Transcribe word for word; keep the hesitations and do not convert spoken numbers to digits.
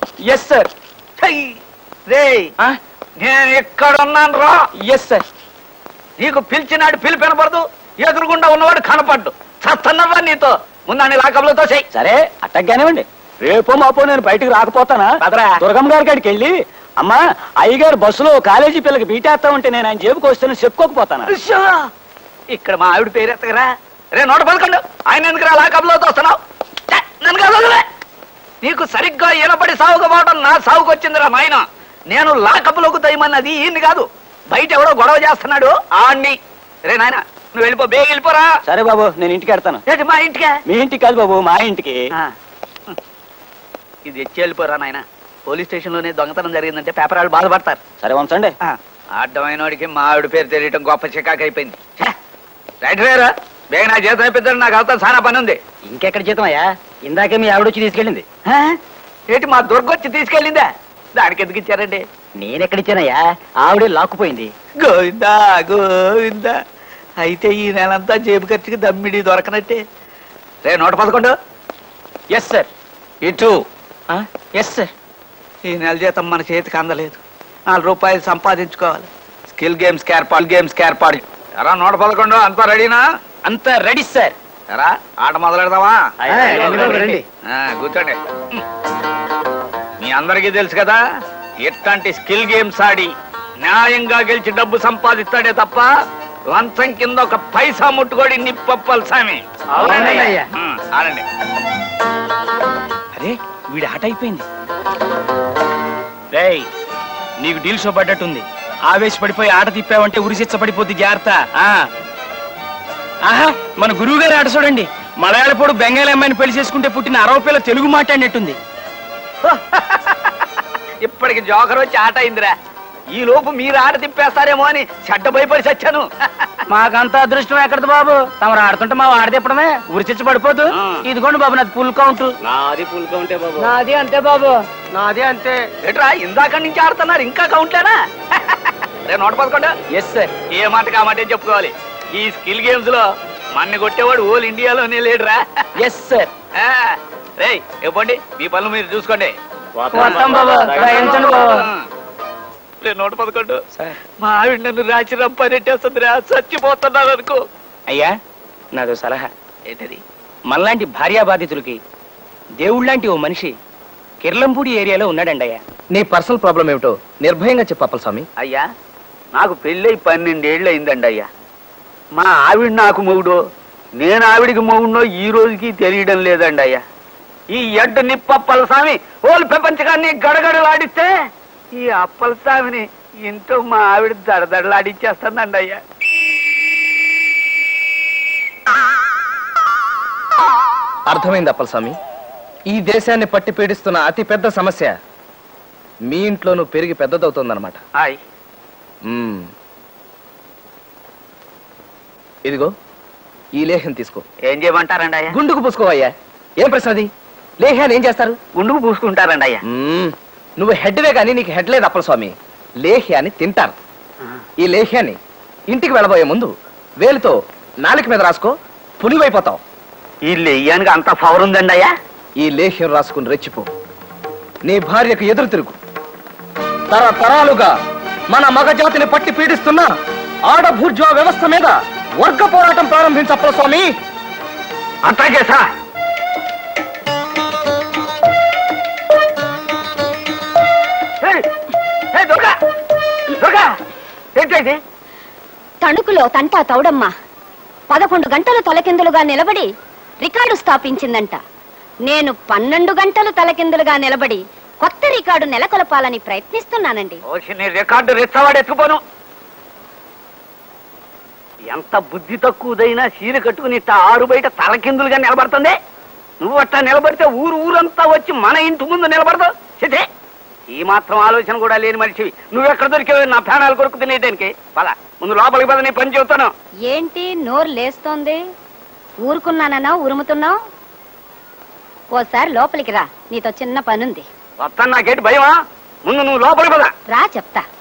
Yes sir. రే నేను ఎక్కడున్నాను రా. Yes sir. నీకు పిలిచినాడు పిలిపి వినపడదు, ఎదురుగుండా ఉన్నవాడు కనపడ్డు. చస్తున్నావా నీతో ముందని లాకబులతో చెయ్యి. సరే అట్టగ్గానేవ్వండి. రేపో మాపో నేను బయటకు రాకపోతానా? దుర్గమ్మ గారి కాడికి వెళ్ళి అమ్మా అయ్యగారు బస్సులో కాలేజీ పిల్లకి బీటేస్తా ఉంటే నేను ఆయన జేబుకి వస్తాను చెప్పుకోకపోతానా? ఇక్కడ మా ఆవిడ పేరు ఎత్తగరా. రే నోట పలకండు. ఆయన ఎందుకు రా లాకబులతో వస్తున్నావు? నన్ను కాదు. నీకు సరిగ్గా ఈనపడి సాగుకపోవడం నా సాగుకు వచ్చిందిరా నాయన. నేను లాకబులకు దయమన్నది ఈయన్ని కాదు, బయట ఎవడో గొడవ చేస్తున్నాడు ఆడిని. రే నాయన నువ్వు వెళ్ళిపో, బేగ వెళ్ళిపోరా. సరే బాబు నేను ఇంటికి వెళ్తాను. ఏంటి మా ఇంటికే? మీ ఇంటికి కాదు బాబు, మా ఇంటికి. ఇది ఎచ్చి వెళ్ళిపోరా నాయన. పోలీస్ స్టేషన్ లోనే దొంగతనం జరిగిందంటే పేపర్ వాళ్ళు బాధపడతారు. సరే ఉంచండి. అడ్డమైన వాడికి మా ఆవిడ పేరు తెలియటం గొప్ప చికాకు అయిపోయింది. రైట్ వేరా బేగ నా జీతం అయిపోతాడు, నాకు అవుతా చాలా పని ఉంది. ఇంకెక్కడ జీతం అయ్యా? ఇందాకే మీ ఆవిడ వచ్చి తీసుకెళ్ళింది. ఏంటి మా దుర్గొచ్చి తీసుకెళ్ళిందా? దానికి ఎందుకు ఇచ్చారండి? నేనెక్కడిచ్చానయ్యా? ఆవిడే లాక్కుపోయింది. గోవిందా గోవిందా. అయితే ఈ నెలంతా జేబు ఖర్చుకి దమ్మిడి దొరకనట్టే. రే నూట పదకొండు. Yes sir. ఇటు. Yes sir. ఈ నెల జీతం మన చేతికి అందలేదు, నాలుగు రూపాయలు సంపాదించుకోవాలి. స్కిల్ గేమ్స్ ఏర్పాటు గేమ్స్ ఏర్పాటు. ఎరా నూట పదకొండు అంతా రెడీనా? అంతా రెడీ సార్. ఎరా ఆట మొదలెడదామా? రండి. కూర్చోండి. మీ అందరికీ తెలుసు కదా, ఎట్లాంటి స్కిల్ గేమ్స్ ఆడి న్యాయంగా గెలిచి డబ్బు సంపాదిస్తాడే తప్ప లంచం కింద ఒక పైసా ముట్టుకోడి నిప్పప్పలు సామి. ఆడండి. అరే వీడి ఆట అయిపోయింది. రేయ్ నీకు డీల్ షో పడ్డట్టుంది. ఆవేశపడిపోయి ఆట తిప్పావంటే ఉరిశిచ్చ పడిపోద్ది, జాగ్రత్త. ఆహా మన గురువు గారి ఆట చూడండి. మలయాళపోడు బెంగాలీ అమ్మాయిని పెళ్లి చేసుకుంటే పుట్టిన అరవ పిల్ల తెలుగు మాట్లాడినట్టుంది. ఇప్పటికి జోకర్ వచ్చి ఆట అయిందిరా. ఈ లోపు మీరు ఆట తిప్పేస్తారేమో అని చెడ్డ భయపడి చచ్చాను. మాకంత అదృష్టం ఎక్కడది బాబు? తమరు ఆడుతుంటే మా ఆడ తిప్పడమే ఉరిచిచ్చి పడిపోదు. ఇదిగోండి బాబు నాది ఫుల్ కౌంట్. నాది ఫుల్ కౌంటే బాబు. నాది అంతే బాబు, నాది అంతే. ఎట్రా ఇందాక నుంచి ఆడుతున్నారు, ఇంకా కౌంట్లేనా? రే నూట పదకొండు. Yes sir. ఏ మాట కామాటే చెప్పుకోవాలి. ఈ స్కిల్ గేమ్స్ లో మన్ని కొట్టేవాడు ఓల్ ఇండియాలోనే లేడురా. Yes sir. రే ఇవ్వండి, మీ పనులు మీరు చూసుకోండి. నూట పదకొండు. మా ఆవిడ నన్ను రాచి రంపనెట్టేస్తుందిరా, చచ్చిపోతున్నాను అనుకో. అయ్యా నాదో సలహా. ఏంటది? మనలాంటి భార్యా బాధితులకి దేవుళ్ళంటి ఓ మనిషి కిర్లంపూడి ఏరియాలో ఉన్నాడండి. అయ్యా నీ పర్సనల్ ప్రాబ్లం ఏమిటో నిర్భయంగా చెప్పాలి స్వామి. అయ్యా నాకు పెళ్ళై పన్నెండేళ్ళు అయిందండి అయ్యా. మా ఆవిడ నాకు మొగుడో, నేను ఆవిడికి మొగుడో ఈ రోజుకి తెలియడం లేదండి అయ్యా. ఈ ఎడ్డు నిప్పప్పల స్వామి ఓలు ప్రపంచకాన్ని గడగడలాడిస్తే ఈ అప్పల స్వామిని ఇంట్లో మా ఆవిడ దడదడలాడిచ్చేస్తుందండి అయ్యా. అర్థమైంది అప్పల స్వామి. ఈ దేశాన్ని పట్టి పీడిస్తున్న అతి పెద్ద సమస్య మీ ఇంట్లోనూ పెరిగి పెద్దదవుతుందన్నమాట. హాయ్. ఇదిగో ఈ లేహ్యం తీసుకో. ఏం చేయమంటారండి అయ్యా? గుండుకు పూసుకోవయ్యా. ఏం ప్రశ్న అది? లేహ్యాన్ని ఏం చేస్తారు? గుండుకు పూసుకుంటారండి అయ్యా. నువ్వు హెడ్వే కానీ నీకు హెడ్ లేదు అప్పల స్వామి. లేహ్యాన్ని తింటారు. ఈ లేహ్యాన్ని ఇంటికి వెళ్ళబోయే ముందు వేలుతో నాలుక మీద రాసుకో, పులివైపోతావు. ఈ లేహ్యానికి అంత పవర్ ఉందండి అయ్యా? ఈ లేహ్యం రాసుకుని రెచ్చిపో. నీ భార్యకు ఎదురు తిరుగు. తరతరాలుగా మన మగజాతిని పట్టి పీడిస్తున్న ఆడభూర్జా వ్యవస్థ మీద వర్గ పోరాటం ప్రారంభించప్పల స్వామి. అట్లాగే సార్. తణుకులో తంటా తౌడమ్మ పదకొండు గంటలు తలకిందులుగా నిలబడి రికార్డు స్థాపించిందంట. నేను పన్నెండు గంటలు తలకిందులుగా నిలబడి కొత్త రికార్డు నెలకొల్పాలని ప్రయత్నిస్తున్నానండి. రికార్డు రెచ్చవాడెత్తుకోను. ఎంత బుద్ధి తక్కువదైనా చీర కట్టుకుని ఆరు బయట తలకిందులుగా నిలబడుతుంది. నువ్వు అట్లా నిలబడితే ఊరు ఊరంతా వచ్చి మన ఇంటి ముందు నిలబడతావు. చితే ఈ మాత్రం ఆలోచన కూడా లేని మనిషివి. నువ్వెక్కడ దొరికేవి నా ప్రాణాలు కొరకు తినేదానికి? పద ముందు లోపలికి పద, నీ పని చెబుతాను. ఏంటి నోరు లేస్తోంది? ఊరుకున్నానన్నా ఉరుముతున్నావు? ఓసారి లోపలికి రా, నీతో చిన్న పనుంది. వస్తాను. నాకేంటి భయమా? ముందు నువ్వు లోపలికి పద. రా చెప్తా.